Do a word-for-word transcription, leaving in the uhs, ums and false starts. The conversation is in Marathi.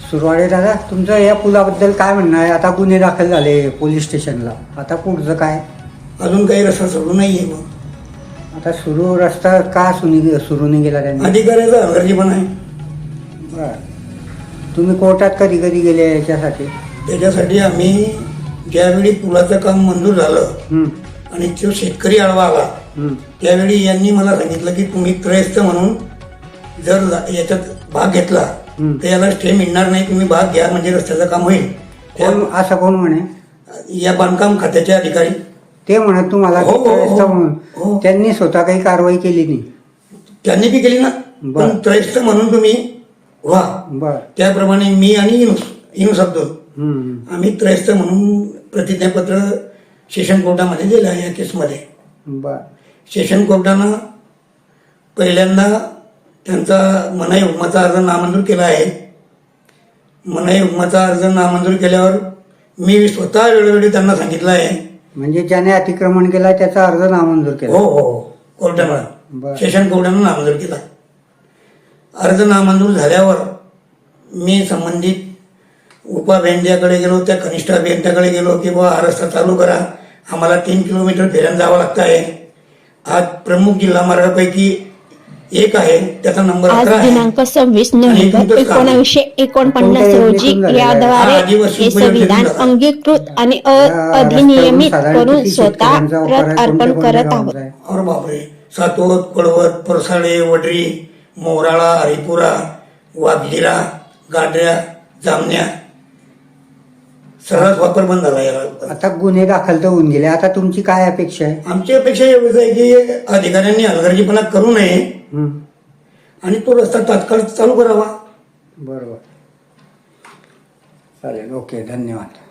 सुरवाडे दादा, तुमचं या पुलाबद्दल काय म्हणणं आहे? आता गुन्हे दाखल झाले पोलीस स्टेशनला, आता पुढचं काय? अजून काही रस्ता सुरू नाहीये. मग आता सुरू रस्ता का सुनी सुरू नाही गेला त्यांनी? अधिकाऱ्याचा हलगर्जीपणा आहे. बरं. तुम्ही कोर्टात कधी कधी गेले याच्यासाठी? त्याच्यासाठी आम्ही ज्यावेळी पुलाचं काम मंजूर झालं हं, आणि तो शेतकरी आडवा आला हं, त्यावेळी यांनी मला सांगितलं की तुम्ही त्रयस्थ म्हणून जर याच्यात भाग घेतला हं. तर याला स्टे मिळणार नाही, तुम्ही भाग घ्या म्हणजे रस्त्याचं काम होईल. कोण असं कोण म्हणे? या बांधकाम खात्याचे अधिकारी ते म्हणत तुम्हाला हो, हो, त्रयस्थ हो. म्हणून हो. त्यांनी स्वतः काही कारवाई केली नाही? त्यांनी बी केली ना. बरं. पण त्रयस्थ म्हणून तुम्ही व्हा. बर. त्याप्रमाणे मी आणि इनुस इनुस अब्दुल हं, आम्ही त्रयस्थ म्हणून प्रतिज्ञापत्र सेशन कोर्टामध्ये दिलं आहे या केसमध्ये. बर. सेशन कोर्टानं पहिल्यांदा त्यांचा मनाई हुकमाचा अर्ज नामंजूर केला आहे. मनाई हुकमाचा अर्ज नामंजूर केल्यावर मी स्वतः वेळोवेळी त्यांना सांगितलं आहे. म्हणजे ज्याने अतिक्रमण केला त्याचा अर्ज नामंजूर हो केला? हो हो कोर्टानं बरं. सेशन कोर्टानं नामंजूर केला. अर्ज नामंजूर झाल्यावर मी संबंधित उपाभियंत्याकडे गेलो, त्या कनिष्ठ अभियंत्याकडे गेलो की बाबा हा रस्ता चालू करा, आम्हाला तीन किलोमीटर फेऱ्यानं जावं लागतं आहे. आज प्रमुख जिल्हा मार्गापैकी एक आहे, त्याचा नंबर आज अकरा आहे. दिनांक सव्वीस नोव्हेंबर एकोणीसशे एकोणपन्नास कोणत्या रोजी योजनेतून झालेला आहे? याद्वारे हा, आदिवासी हे संविधान उपयोजनेतून झाला. अंगीकृत आणि या अधिनियमित रस्त्यावरून करून साधारण स्वतः किती शेतकऱ्यांचा वापर आहे? प्रत अर्पण कोणत्या कोणत्या करत आहोत. गावांचा आहे? और बापरे, सातोद, पळवत, परसाळे, वडरी, मोराळा, हरिपुरा, वाघलिरा, गाड्या, जामण्या सर्वच वापर बंद झाला याला. आता गुन्हे दाखल तर होऊन गेले, आता तुमची काय अपेक्षा आहे? आमची अपेक्षा एवढीच आहे की अधिकाऱ्यांनी हलगर्जीपणा करू नये हं, आणि तो रस्ता तात्काळ चालू करावा. बरोबर. चालेल, ओके, धन्यवाद.